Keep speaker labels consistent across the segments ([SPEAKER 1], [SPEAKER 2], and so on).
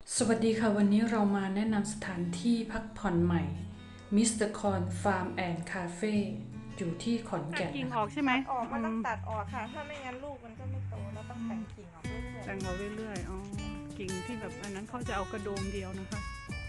[SPEAKER 1] สวัสดีค่ะวันนี้เรามาแนะนำสถานที่พักผ่อนใหม่ Mr. Corn Farm and Cafe อยู่ที่ขอนแก่น
[SPEAKER 2] กิ่งออกใช่ไหม
[SPEAKER 3] ตัดออกมันต้องตัดออกค่ะ ถ้าไม่งั้นลูกมันก็ไม่โตเราต้องแต่งกิ่งออกเรื่อย
[SPEAKER 2] แต่งเอาเรื่อยๆอ๋อกิ่งที่แบบอันนั้นเขาจะเอากระโดงเดียวนะคะ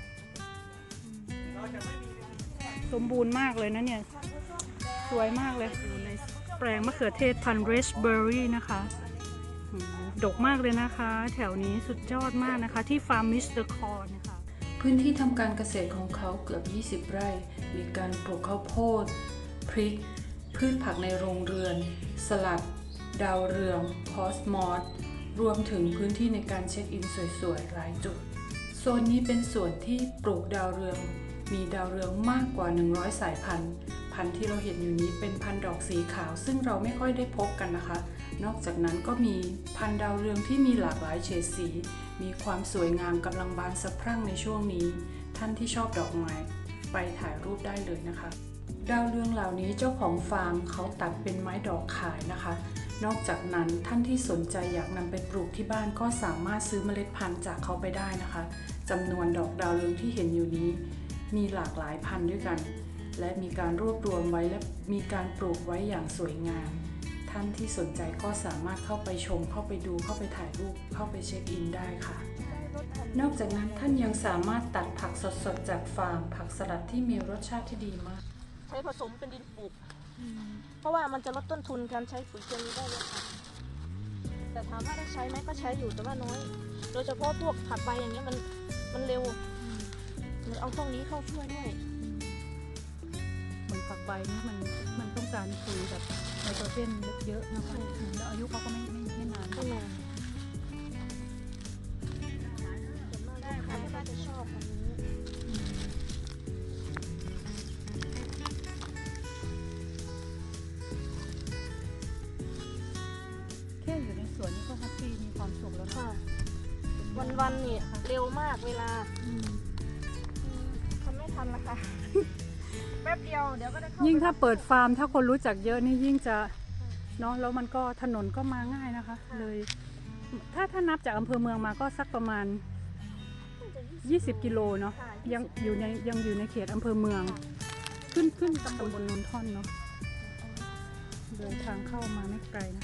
[SPEAKER 2] สมบูรณ์มากเลยนะเนี่ยสวยมากเลยอยู่ในแปลงมะเขือเทศพันธุ์เรสเบอร์รี่นะคะดกมากเลยนะคะ แถวนี้สุดยอดมากนะคะที่ฟาร์มมิสเตอร์คอร์นะคะ
[SPEAKER 1] พื้นที่ทำการเกษตรของเขาเกือบ 20 ไร่ มีการปลูกข้าวโพด พริก พืชผักในโรงเรือน สลัด ดาวเรืองคอสมอสรวมถึงพื้นที่ในการเช็คอินสวยๆหลายจุดโซนนี้เป็นส่วนที่ปลูกดาวเรืองมีดาวเรืองมากกว่า100สายพันธุ์ที่เราเห็นอยู่นี้เป็นพันธุ์ดอกสีขาวซึ่งเราไม่ค่อยได้พบกันนะคะนอกจากนั้นก็มีพันธุ์ดาวเรืองที่มีหลากหลายเฉดสีมีความสวยงามกำลังบานสะพรั่งในช่วงนี้ท่านที่ชอบดอกไม้ไปถ่ายรูปได้เลยนะคะดาวเรืองเหล่านี้เจ้าของฟาร์มเขาตัดเป็นไม้ดอกขายนะคะนอกจากนั้นท่านที่สนใจอยากนำไปปลูกที่บ้านก็สามารถซื้อเมล็ดพันธุ์จากเขาไปได้นะคะจำนวนดอกดาวเรืองที่เห็นอยู่นี้มีหลากหลายพันธุ์ด้วยกันและมีการรวบรวมไว้และมีการปลูกไว้อย่างสวยงามท่านที่สนใจก็สามารถเข้าไปชมเข้าไปดูเข้าไปถ่ายรูปเข้าไปเช็คอินได้ค่ะนอกจากนั้นท่านยังสามารถตัดผักสดๆจากฟาร์มผักสลัดที่มีรสชาติที่ดีมาก
[SPEAKER 3] ใช้ผสมเป็นดินปลูกเพราะว่ามันจะลดต้นทุนการใช้ปุ๋ยเคมีได้เลยค่ะแต่ถามว่าได้ใช้ไหมก็ใช้อยู่แต่ว่าน้อยโดยเฉพาะพวกผักใบอย่างเงี้ยมันเร็วมันเอาพวกนี้เข้าช่วยด้วย
[SPEAKER 2] เหมือนฝักใบนี่มันต้องการปุ๋ยแบบไนโตรเจนเยอะๆนะคะแล้วอายุเขาก็ไม่นาน
[SPEAKER 3] ก็นานส่วนมากลูกค้าก็จะชอบอันนี้
[SPEAKER 2] แค่อยู่ในสวนนี่ก็แฮปปี้มีความสุขแล้วค่ะ
[SPEAKER 3] วันๆนี่เร็วมากเวลาทำไม่ทันนะคะแป๊บเดียวเดี๋ยวก็ได้เข้า
[SPEAKER 2] ยิ่งถ้าเปิดฟาร์มถ้าคนรู้จักเยอะนี่ยิ่งจะเนาะแล้วมันก็ถนนก็มาง่ายนะคะเลยถ้านับจากอำเภอเมืองมาก็สักประมาณ20กิโลเนาะยังอยู่ในเขตอำเภอเมืองขึ้นตำบลนนท่อนเนาะเดินทางเข้ามาไม่ไกลนะ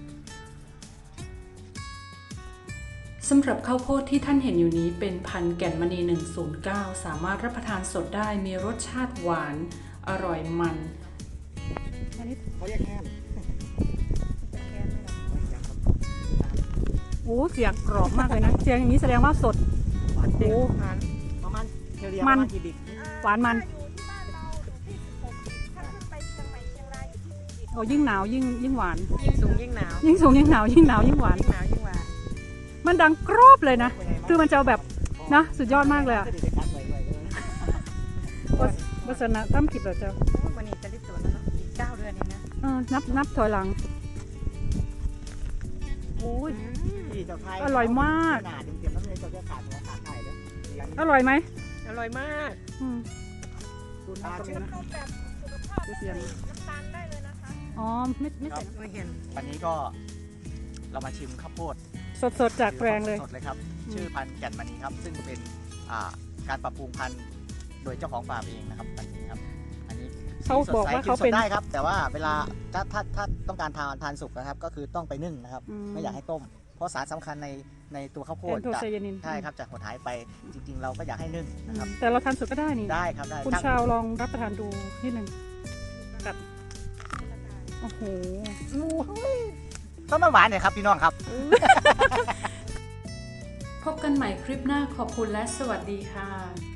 [SPEAKER 1] สำหรับข้าวโพดที่ท่านเห็นอยู่นี้เป็นพันธุ์แก่นมณี109สามารถรับประทานสดได้มีรสชาติหวานอร่อยมัน
[SPEAKER 2] อันนี้
[SPEAKER 4] เขาเรียกแค้น
[SPEAKER 2] โอ้เสียงกรอบมากเลยนะเสียงอย่างนี้แสดงว่าสด
[SPEAKER 4] โอ้ประมาณเฉลี่ยประมาณกี่บิก
[SPEAKER 2] หวานมันโอ้ยิ่งหนาวยิ่งหวาน
[SPEAKER 3] ยิ่งสูงยิ่งหนาว
[SPEAKER 2] ยิ่งสูงยิ่งหนาวยิ่งหวานมันดังกรอบเลยนะคือมันจะแบบนะสุดยอดมากเลยอ่ะวัฒนธรรมกิจเหรอเจ้า
[SPEAKER 3] วันนี้จะได้ตัวแล้วเนาะอีก9 เดือนเองนะ
[SPEAKER 2] นับถอยหลังโอ้ยอร่อยมากอร่อยไหม
[SPEAKER 3] อร่อยมาก
[SPEAKER 2] ดูน้ำตรงนี้นะ
[SPEAKER 3] เสียงน้ำตาลได้เลยนะคะ
[SPEAKER 2] อ๋อไม่ใส่
[SPEAKER 4] ไม่เห็นวันนี้ก็เรามาชิมข้าวโพด
[SPEAKER 2] สดจากแปลงเลย
[SPEAKER 4] สดเลยครับชื่อพันธุ์แก่นมณีครับซึ่งเป็นการปรับปรุงพันธุ์โดยเจ้าของฟาร์มเองนะครับอันนี้ครับอันนี้
[SPEAKER 2] เขาบอกว่าเขาเป็น
[SPEAKER 4] ได้ครับแต่ว่าเวลาถ้าต้องการทานสุกนะครับก็คือต้องไปนึ่งนะครับไม่อยากให้ต้มเพราะสารสำคัญในตัวข้าวโพดใช่ครับจากหดหายไปจริงๆเราก็อยากให้นึ่งนะครับ
[SPEAKER 2] แต่เราทานสุกก็ได้นี่
[SPEAKER 4] ได้ครับได้
[SPEAKER 2] คุณชาวลองรับประทานดูนิดนึงกัดโอ้โห
[SPEAKER 4] ต้นหวานเนี่ยครับพี่น้องครับ
[SPEAKER 1] พบกันใหม่คลิปหน้าขอบคุณและสวัสดีค่ะ